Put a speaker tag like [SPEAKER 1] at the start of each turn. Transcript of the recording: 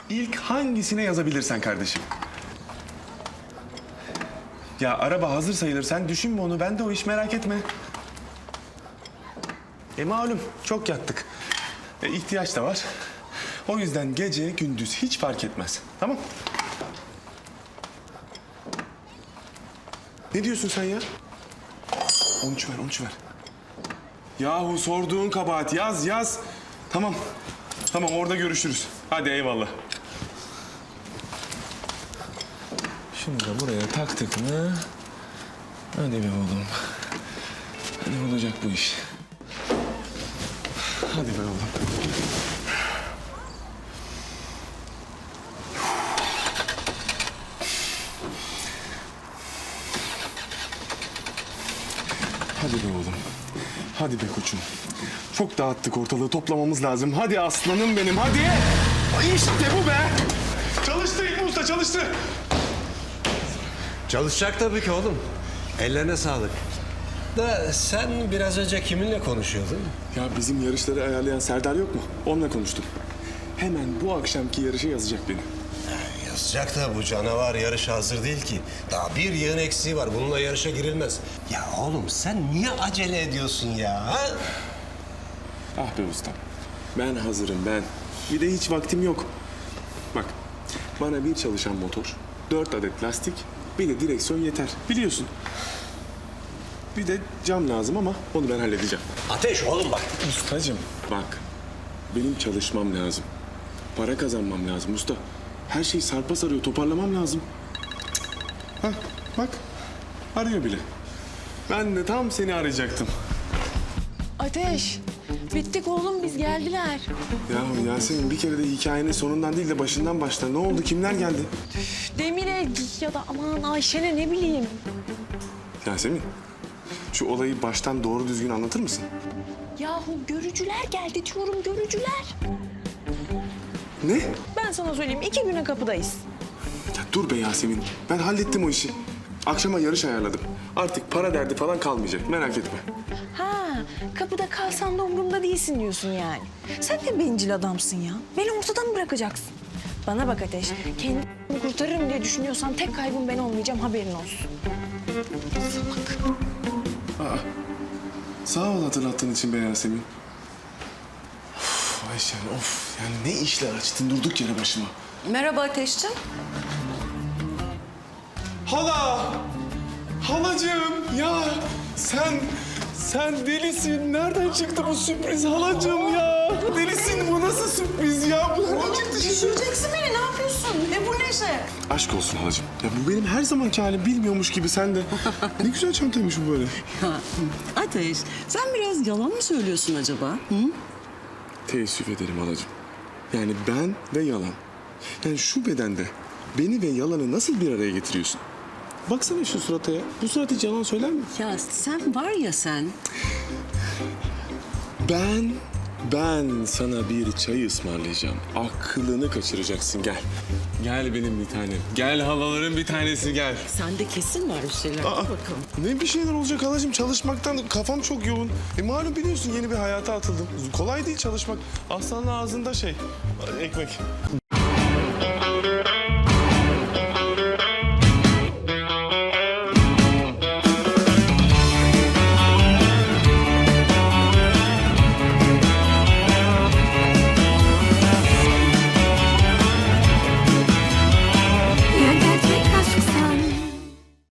[SPEAKER 1] İlk hangisine yazabilirsen kardeşim. Ya araba hazır sayılır. Sen düşünme onu. Ben de o iş, merak etme. Malum çok yattık. İhtiyaç da var. O yüzden gece gündüz hiç fark etmez. Tamam? Ne diyorsun sen ya? 13 ver, 13 ver. Yahu sorduğun kabahat. Yaz, yaz. Tamam. Tamam, orada görüşürüz. Hadi eyvallah. Şunu da buraya taktık mı? Hadi be oğlum. Hadi olacak bu iş. Hadi be oğlum. Hadi be oğlum. Hadi be koçum. Çok dağıttık ortalığı, toplamamız lazım. Hadi aslanım benim, hadi. İşte bu be. Çalıştı İlmi Usta, çalıştı.
[SPEAKER 2] Çalışacak tabii ki oğlum. Ellerine sağlık. Da sen biraz önce kiminle konuşuyordun?
[SPEAKER 1] Ya bizim yarışları ayarlayan Serdar yok mu? Onunla konuştum. Hemen bu akşamki yarışa yazacak beni.
[SPEAKER 2] Yazacak da bu canavar yarışa hazır değil ki. Daha bir yığın eksiği var. Bununla yarışa girilmez. Ya oğlum sen niye acele ediyorsun ya? Ha?
[SPEAKER 1] Ah be ustam. Ben hazırım ben. Bir de hiç vaktim yok. Bak, bana bir çalışan motor, 4 adet lastik, bir de direksiyon yeter. Biliyorsun. Bir de cam lazım ama onu ben halledeceğim.
[SPEAKER 2] Ateş oğlum bak.
[SPEAKER 1] Ustacığım bak, benim çalışmam lazım. Para kazanmam lazım usta. Her şey sarpa sarıyor, toparlamam lazım. Hah, bak, arıyor bile. Ben de tam seni arayacaktım.
[SPEAKER 3] Ateş, bittik oğlum biz, geldiler.
[SPEAKER 1] Yahu Yasemin, bir kere de hikayenin sonundan değil de başından başla. Ne oldu, kimler geldi?
[SPEAKER 3] Demire ya da aman Ayşen'e, ne bileyim.
[SPEAKER 1] Yasemin, şu olayı baştan doğru düzgün anlatır mısın?
[SPEAKER 3] Yahu görücüler geldi diyorum, görücüler.
[SPEAKER 1] Ne?
[SPEAKER 3] Ben sana söyleyeyim, 2 güne kapıdayız.
[SPEAKER 1] Ya dur be Yasemin, ben hallettim o işi. Akşama yarış ayarladım. Artık para derdi falan kalmayacak, merak etme.
[SPEAKER 3] Ha, kapıda kalsan da umurumda değilsin diyorsun yani. Sen de bencil adamsın ya. Beni ortadan mı bırakacaksın? Bana bak Ateş, kendimi kurtarırım diye düşünüyorsan tek kaybım ben olmayacağım, haberin olsun. Salak.
[SPEAKER 1] Sağ ol hatırlattığın için be Yasemin. Of Ayşen, of. Yani ne işler açtın durduk yere başıma.
[SPEAKER 4] Merhaba Ateşciğim.
[SPEAKER 1] Hala! Halacığım ya sen delisin. Nereden çıktı bu sürpriz halacığım ya? Delisin, bu nasıl sürpriz ya? Bu nereden çıktı şimdi?
[SPEAKER 4] Düşüreceksin beni, ne yapıyorsun? Ne bu neşe?
[SPEAKER 1] Aşk olsun halacığım. Ya bu benim her zamanki halim, bilmiyormuş gibi sen de. Ne güzel çantaymış bu böyle.
[SPEAKER 4] Ya, Ateş, sen biraz yalan mı söylüyorsun acaba? Hı?
[SPEAKER 1] Teessüf ederim halacığım. Yani ben ve yalan. Yani şu bedende beni ve yalanı nasıl bir araya getiriyorsun? Baksana şu surata ya. Bu surat hiç yalan söyler mi?
[SPEAKER 4] Ya sen var ya sen.
[SPEAKER 1] Ben sana bir çay ısmarlayacağım. Aklını kaçıracaksın, gel. Gel benim bir tanem. Gel halaların bir tanesi, gel.
[SPEAKER 4] Sende kesin var bir şeyler. Dur bakalım.
[SPEAKER 1] Ne bir şeyler olacak halacığım, çalışmaktan kafam çok yoğun. Malum biliyorsun, yeni bir hayata atıldım. Kolay değil çalışmak. Aslanın ağzında ekmek.